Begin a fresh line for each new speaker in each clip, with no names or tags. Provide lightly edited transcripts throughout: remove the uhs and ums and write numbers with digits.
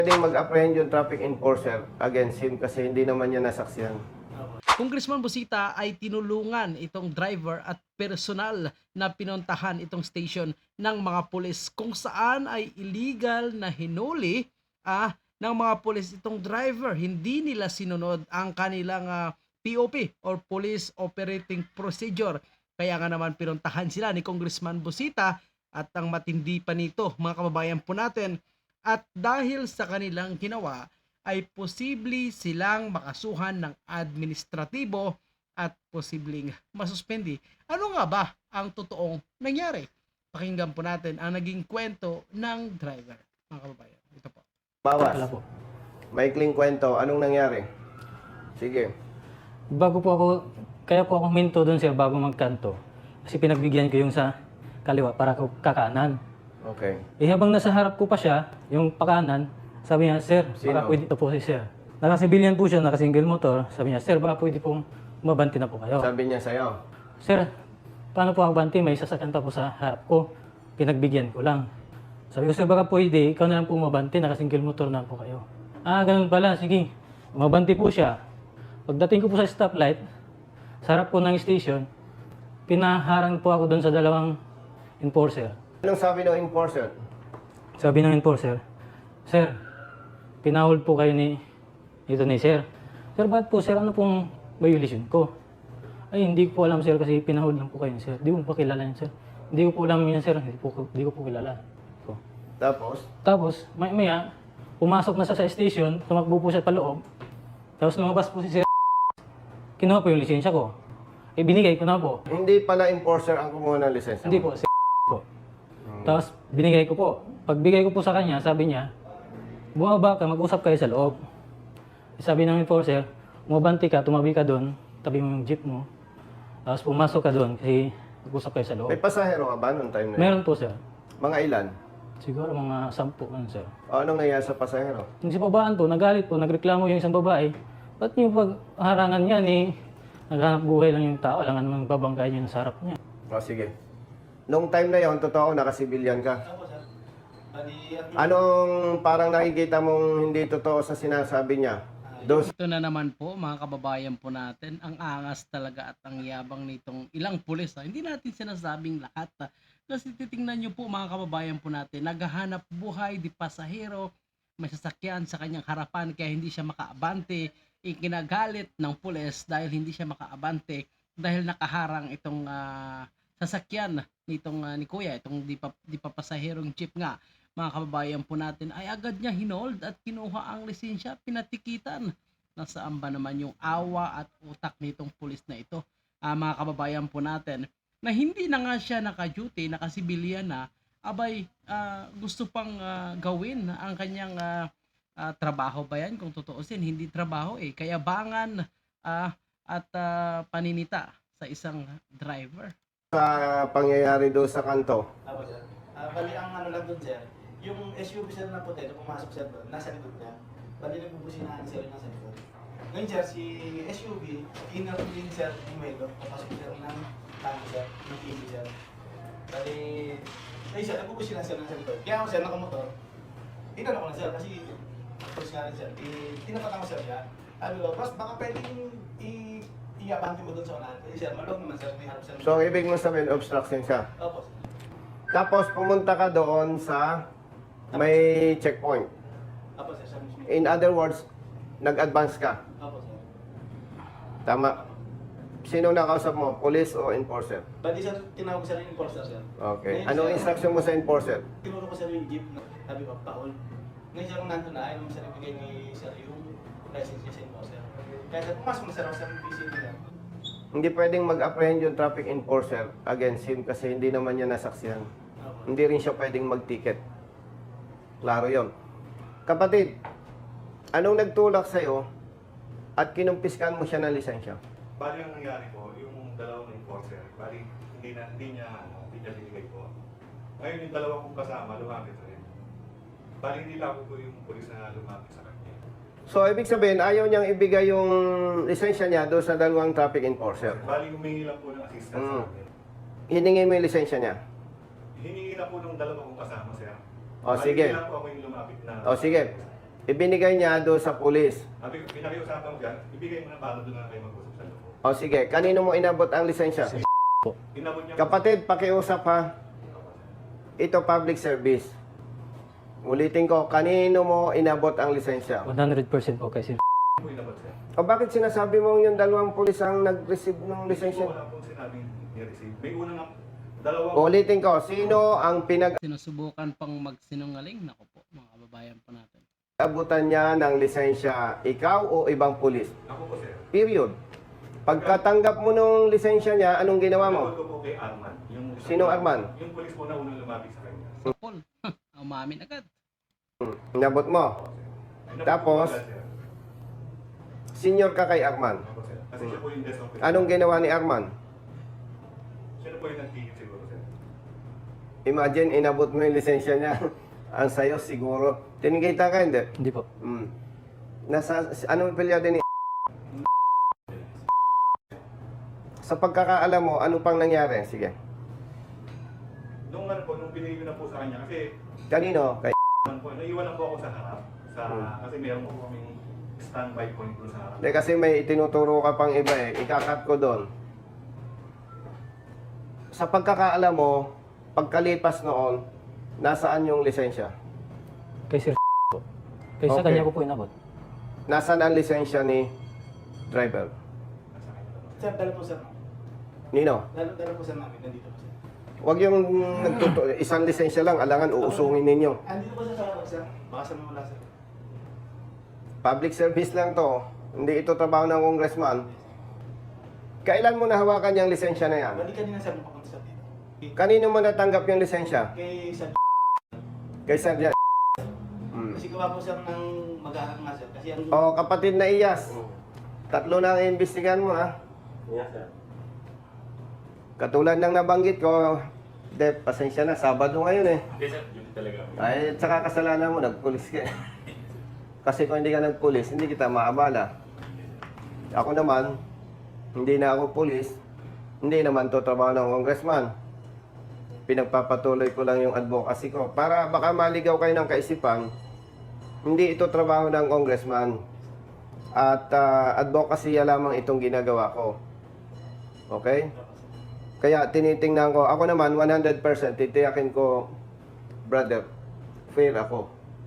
Pwedeng mag-apprehend yung traffic enforcer against him kasi hindi naman niya nasaksihan.
Congressman Busita ay tinulungan itong driver at personal na pinuntahan itong station ng mga pulis kung saan ay illegal na hinuli ng mga pulis itong driver. Hindi nila sinunod ang kanilang POP or Police Operating Procedure. Kaya nga naman pinuntahan sila ni Congressman Busita at ang matindi pa nito mga kababayan po natin. At dahil sa kanilang ginawa ay posible silang makasuhan ng administratibo at posibleng masuspendi. Ano nga ba ang totoong nangyari? Pakinggan po natin ang naging kwento ng driver, mga kababayan. Ito po.
Bawas.
Wala po.
Maikling kwento. Anong nangyari? Sige.
Bago po ako, kaya po ako minto doon sir bago magkanto. Kasi pinagbigyan ko yung sa kaliwa para ko kakanan.
Okay.
Eh habang nasa harap ko pa siya, yung pakanan, sabi niya, sir,
Sino?
baka pwede ito po si sir. Nakasibilyan po siya, nakasingle motor. Sabi niya, sir, baka pwede pong mabanti na po kayo.
Sabi niya sa'yo.
Sir, paano po ako banti? May sasakyan pa po sa harap ko. Pinagbigyan ko lang. Sabi ko, sir, baka pwede, ikaw na lang po mabanti, nakasingle motor na po kayo. Ah, ganun pala, sige. Mabanti po siya. Pagdating ko po sa stoplight, sa harap po ng station, pinaharang po ako doon sa dalawang enforcer.
Anong sabi ng enforcer?
Sabi ng enforcer, sir, pinahol po kayo ni sir. Sir, bakit po sir, ano pong violation ko? Ay, hindi ko po alam sir kasi pinahol lang po kayo sir. Hindi ko pa kilala yan sir. Hindi ko po alam yan sir, hindi ko po kilala. So,
Tapos,
maya, pumasok na siya sa station, tumakbo po siya paloob. Tapos lumabas po si sir, kinuha po yung lisensya ko. Eh, binigay ko na po.
hindi pala enforcer ang kumuha ng lisensya.
Hindi po, si po. Tapos binigay ko po. Pagbigay ko po sa kanya, sabi niya, bumaba ka, mag-usap kayo sa loob. Sabi ng enforcer, umabanti ka, tumabi ka doon, tabi mo yung jeep mo. Tapos pumasok ka doon kasi mag-usap kayo sa loob.
May pasahero ka ba noong time na yun?
Meron po sir.
Mga ilan?
Siguro mga 10 man sir.
O anong nangyari sa pasahero?
Yung si babaan po, nagalit po, nagreklamo yung isang babae. Ba't yung pagharangan niya ni naghanap buhay lang yung tao, alangan naman babangkay niya sa harap niya.
O sige. Noong time na yon, totoo, nakasibilyan ka.
Opo, sir. Bali,
Anong parang nakikita mong hindi totoo sa sinasabi niya?
Ito na naman po mga kababayan po natin, ang angas talaga at ang yabang nitong ilang pulis. Hindi natin sinasabing lahat. Kasi titingnan nyo po mga kababayan po natin, naghahanap buhay di pasahero, may sasakyan sa kanyang harapan kaya hindi siya makaabante. Ikinagalit ng pulis dahil hindi siya makaabante dahil nakaharang itong sasakyan nitong ni Kuya, itong di pa pasaherong jeep nga. Mga kababayan po natin ay agad niya hinold at kinuha ang lisensya, pinatikitan. Nasaan ba naman yung awa at utak nitong pulis na ito? Mga kababayan po natin na hindi na nga siya naka-duty, nakasibilyan na, abay gusto pang gawin ang kanyang trabaho ba yan? Kung tutuusin, hindi trabaho kayabangan at paninita sa isang driver.
Sa pangyayari doon sa kanto,
Opo, sir. Bali, ang ano lang doon, sir, yung SUV sir na puti, nung pumasok sir doon, nasa likod niya. Bali, nagbubusinahan sir nasa likod. Ngayon, sir, si SUV, inner din sir, yung window, papasok sir ng tango sir, ng TV sir. Bali, ay sir, nagbubusinahan sir nasa likod. Kaya ako sir, nakamotor, inano ko na sir, kasi pulis nga rin sir, tinapatan ko sir siya. Sabi ko, boss, baka pwedeng i-abante mo doon sa unahan. Kasi sir, malong naman sir, may harap sir.
so ibig mo sabihin obstruction siya.
Opo, sir.
Tapos pumunta ka doon sa may checkpoint.
Opo, sir, sabi mismo.
In other words, nag-advance ka.
Opo, sir.
Tama. Sino nakausap mo? Police o enforcer?
Bali sir, tinawag ko sir yung enforcer sir.
Okay.
Ngayon,
Anong
sir,
instruction mo sa enforcer?
tinuro ko sir yung jeep na sabi ko, paul. Ngayon sir, kung nandun na, ayaw naman sir ibigay ni sir yung license niya sa enforcer. Kaya sir, pumasok na sir ako sa PC nila.
Hindi pwedeng mag-apprehend yung traffic enforcer against him kasi hindi naman niya nasaksihan.
Opo.
Hindi rin siya pwedeng mag-ticket. Klaro yon. Kapatid, anong nagtulak sa'yo at kinumpiskan mo siya ng lisensya?
Bali ang nangyari po, yung dalawang enforcer, bali hindi niya binigay po. Ngayon yung dalawa kong kasama, lumapit rin. Bali hindi lang po yung pulis na lumapit sa kanya.
So, ibig sabihin, ayaw niyang ibigay yung lisensya niya doon sa dalawang traffic enforcer.
Bali humingi lang po ng assistance sa akin.
Hiningin mo yung lisensya niya.
Hiningi lang po ng dalawa kong kasama, sir.
O,
Bali,
sige.
Hindi lang po ako yung lumapit na.
O, sige. Ibinigay niya doon sa pulis.
Sabi ko, pinakiusapan ko dyan, ibigay mo na para doon na kayo mag-usap sa loob.
O sige, kanino mo inabot ang lisensya?
Inabot niya
Kapatid, pakiusap ha. Ito public service. Ulitin ko, kanino mo inabot ang lisensya?
100% po kay Sir.
po inabot sir.
O bakit sinasabi mo yung dalawang pulis ang nag-receive ng
Hindi
lisensya?
ko wala pong sinabing ni-receive. May una na, dalawang
Ulitin ko, sino ang
Sinusubukan pang magsinungaling. Nako po, mga kababayan po natin.
pinag-abutan niya ng lisensya? Ikaw o ibang pulis?
Ako po sir.
Period. Pagkatanggap mo ng lisensya niya, anong ginawa mo?
Inabot ko po kay Arman. Yung,
Sino Arman?
Yung police po na unang lumapit sa kanya.
Sa Paul, umamin agad.
Inabot mo.
Inabot
Tapos?
ko po agad, sir.
Senior ka kay Arman.
Ako, sir. Kasi siya po yung desk officer.
Anong ginawa ni Arman?
Siya na po yung nagtigil siguro sir.
Imagine, inabot mo yung lisensya niya. Ang sayo siguro. Tinigita ka, hindi?
Hindi po.
Nasa, anong pilyado ni Sa pagkakaalam mo, ano pang nangyari? Sige.
Nung ano po, nung binigay ko na po sa kanya, kasi
Kanino? Kay
man po, naiwan lang po ako sa harap. Kasi meron po kaming standby point doon sa harap.
Hindi, kasi may itinuturo ka pang iba eh. Ikakat ko doon. Sa pagkakaalam mo, pagkalipas noon, nasaan yung lisensya?
Kay Sir po. Kay sa
Okay.
kanya ko po inabot.
Nasaan ang lisensya ni driver?
Sir, dala po sir.
Nino?
Dala po sir namin, nandito po sir.
Huwag yung isang lisensya lang, alangan uusungin ninyo.
Andito po sir sa harap sir. Baka sa wala sir.
Public service lang to. Hindi ito trabaho ng congressman. Kailan mo nahawakan yung lisensya na yan?
Balik kanina sir, papunta sir dito.
Kanino mo natanggap yung lisensya?
Kay sir.
Kay Sergeant.
Kasi gawa po sir ng mag-aaral nga sir. Kasi ang...
O kapatid na Iyas, tatlo na ang iimbestigahan mo ha.
Yes sir.
Katulad ng nabanggit ko, Dep, pasensya na, Sabado ngayon eh.
Hindi sir, yun talaga.
Ay, tsaka kasalanan mo, nagpulis ka eh. Kasi kung hindi ka nagpulis, hindi kita maabala. Ako naman, hindi na ako pulis, hindi naman to trabaho ng congressman. Pinagpapatuloy ko lang yung advocacy ko. Para baka maligaw kayo ng kaisipan, hindi ito trabaho ng congressman. At advocacy lamang itong ginagawa ko. Okay? Kaya tinitingnan ko, ako naman 100% titiyakin ko, brother, fair ako.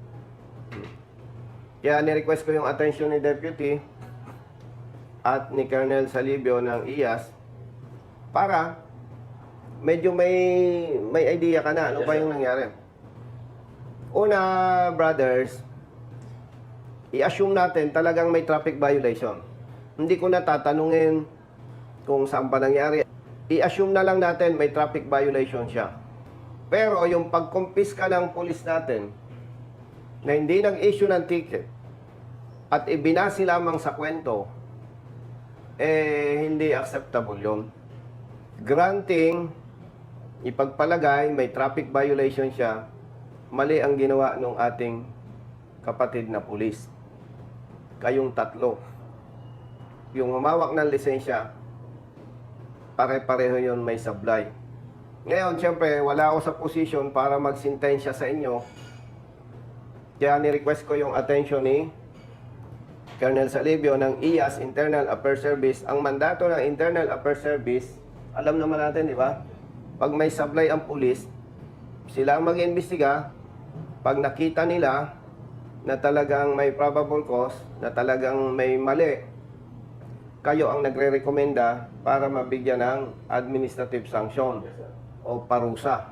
Kaya nirequest ko yung attention ni Deputy at ni Colonel Salibio ng IAS para medyo may idea ka na ano ba yung nangyari. Una, brothers, i-assume natin talagang may traffic violation. Hindi ko na tatanungin kung saan pa nangyari. I-assume na lang natin may traffic violation siya. Pero yung pagkumpiska ng pulis natin na hindi nag-issue ng ticket at ibinasi lamang sa kwento, hindi acceptable yun. Granting, ipagpalagay may traffic violation siya, mali ang ginawa ng ating kapatid na pulis. Kayong tatlo. Yung humawak ng lisensya, pare-pareho yun may sablay. Ngayon, siyempre, wala ako sa posisyon para magsintensya sa inyo. Kaya ni-request ko yung attention ni Colonel Salibio ng IAS, Internal Affairs Service. Ang mandato ng Internal Affairs Service, alam naman natin, di ba? Pag may sablay ang pulis, sila ang mag-iimbestiga. Pag nakita nila na talagang may probable cause, na talagang may mali, kayo ang nagre-rekomenda para mabigyan ng administrative sanction o parusa.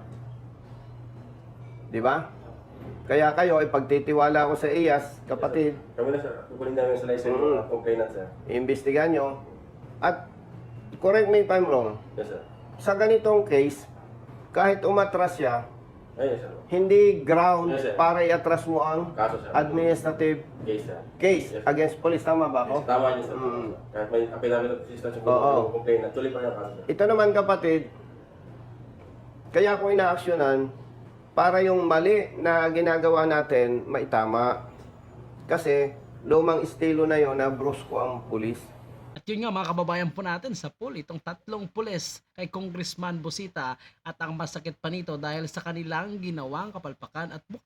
Di ba? Kaya kayo, ipagtitiwala ko sa IAS, kapatid,
Kami na sir, kukunin namin sa license ng mga complainant sir.
iimbestigahan nyo. At, correct me if I'm wrong,
Yes sir.
sa ganitong case, kahit umatras siya,
Ay, yes sir.
hindi ground
Yes, sir.
para i-atras mo ang
Kaso sir.
administrative
Case sir.
case
Yes.
against police. Tama ba ako?
Yes, tama niyo sir.
Mm.
Kahit may apel namin ng assistance yung
Oo.
complainant, tuloy pa rin ang kaso sir.
Ito naman kapatid, kaya ko inaaksyonan para yung mali na ginagawa natin maitama. Kasi lumang estilo na yon na brusko ang pulis.
At yun nga mga kababayan po natin sa pool, itong tatlong pulis kay Congressman Busita at ang masakit pa nito dahil sa kanilang ginawang kapalpakan at mukhang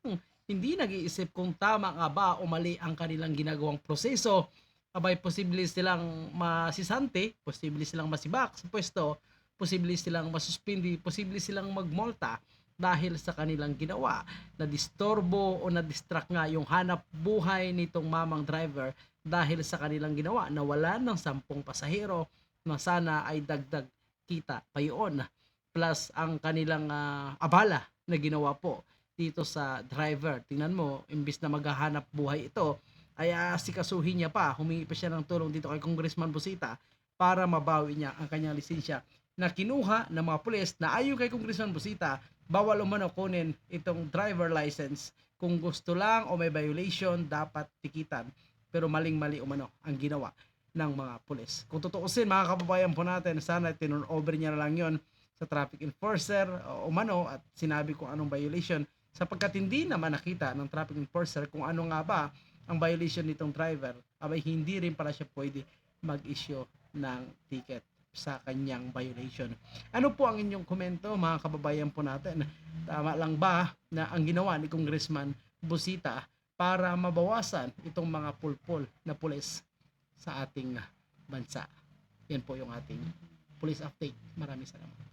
hindi nag-iisip kung tama nga ba o mali ang kanilang ginagawang proseso, abay posible silang masisante, posible silang masibak sa pwesto, posible silang masuspindi, posible silang magmulta dahil sa kanilang ginawa na disturbo o na-distract nga yung hanap buhay nitong mamang driver dahil sa kanilang ginawa na wala ng 10 pasahero na sana ay dagdag kita pa yun. Plus ang kanilang abala na ginawa po dito sa driver. Tingnan mo, imbis na maghahanap buhay ito, ay asikasuhin niya pa, humingi pa siya ng tulong dito kay Congressman Busita para mabawi niya ang kanyang lisensya na kinuha ng mga pulis na ayon kay Congressman Busita, bawal umano kunin itong driver license. Kung gusto lang o may violation, dapat tikitan. Pero maling-mali umano ang ginawa ng mga pulis. Kung tutuusin, mga kababayan po natin, sana tinurn over niya na lang yon sa traffic enforcer o umano at sinabi kung anong violation sapagkat hindi naman nakita ng traffic enforcer kung ano nga ba ang violation nitong driver, abay hindi rin pala siya pwede mag-issue ng ticket sa kanyang violation. Ano po ang inyong komento, mga kababayan po natin? Tama lang ba na ang ginawa ni Congressman Busita para mabawasan itong mga pulpol na pulis sa ating bansa? Yan po yung ating police update. Maraming salamat.